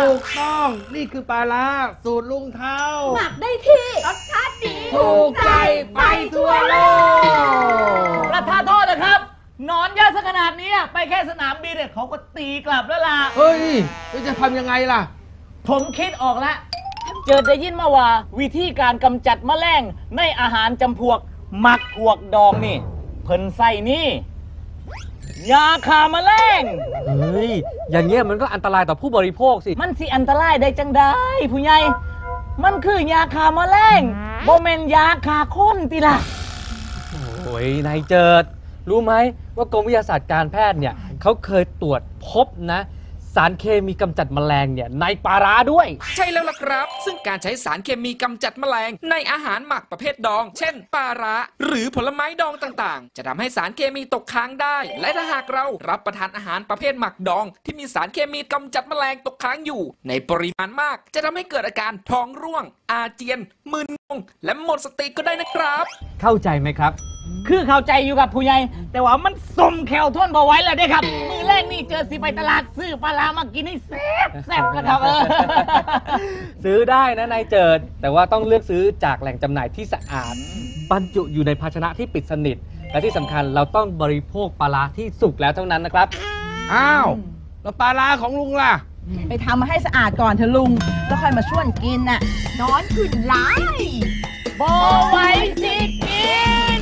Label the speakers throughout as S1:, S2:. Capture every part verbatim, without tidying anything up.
S1: ถูกต้องนี่คือปลาร้าสูตรลุงเท้า
S2: หมักได้ที่รสชาติดี
S1: ถูกใจไปทั่วโลก
S3: ประทานโทษนะครับนอนเยอะซะขนาดนี้ไปแค่สนามบินเนี่ยเขาก็ตีกลับแล้วล่ะ
S1: เฮ้ยจะทำยังไงล่ะ
S3: ผมคิดออกแล้วเจอได้ยินมาว่าวิธีการกำจัดแมลงในอาหารจำพวกหมักพวกดองนี่เพิ่นใส่นี่ยาฆ่าแมลง
S4: เฮ้ยอย่างเงี้ยมันก็อันตรายต่อผู้บริโภคสิ
S3: มันสิอันตรายได้จังได้ผู้ใหญ่มันคือยาฆ่าแมลงบ่แม่นยาฆ่าคนติล่ะ
S4: โอ้ยนายเจิดรู้ไหมว่ากรมวิทยาศาสตร์การแพทย์เนี่ยเขาเคยตรวจพบนะสารเคมีกำจัดแมลงเนี่ยในปลาร้าด้วย
S5: ใช่แล้วล่ะครับซึ่งการใช้สารเคมีกำจัดแมลงในอาหารหมักประเภทดองเช่นปลาร้าหรือผลไม้ดองต่างๆจะทำให้สารเคมีตกค้างได้และถ้าหากเรารับประทานอาหารประเภทหมักดองที่มีสารเคมีกำจัดแมลงตกค้างอยู่ในปริมาณมากจะทำให้เกิดอาการท้องร่วงอาเจียนมึนงงและหมดสติก็ได้นะครับ
S4: เข้าใจไหมครับ
S3: คือเข้าใจอยู่กับผู้ใหญ่แต่ว่ามันสมแขวทนพอไว้แล้วได้ครับมือแรกนี่เจอสิไปตลาดซื้อปลาร้ามากินให้แซ่บแซ่บนะครับเออ
S4: ซื้อได้นะนายเจิดแต่ว่าต้องเลือกซื้อจากแหล่งจำหน่ายที่สะอาดบรรจุอยู่ในภาชนะที่ปิดสนิทและที่สำคัญเราต้องบริโภคปลาร้าที่สุกแล้วเท่านั้นนะครับ
S1: อ้าวแล้วปลาร้าของลุงล่ะ
S2: ไปทำมาให้สะอาดก่อนเถอะลุงแล้วค่อยมาชวนกินน่ะนอนขึ้นไล่
S3: บ่ไหวสิกิน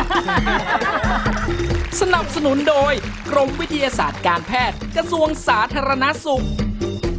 S5: สนับสนุนโดยกรมวิทยาศาสตร์การแพทย์กระทรวงสาธารณสุข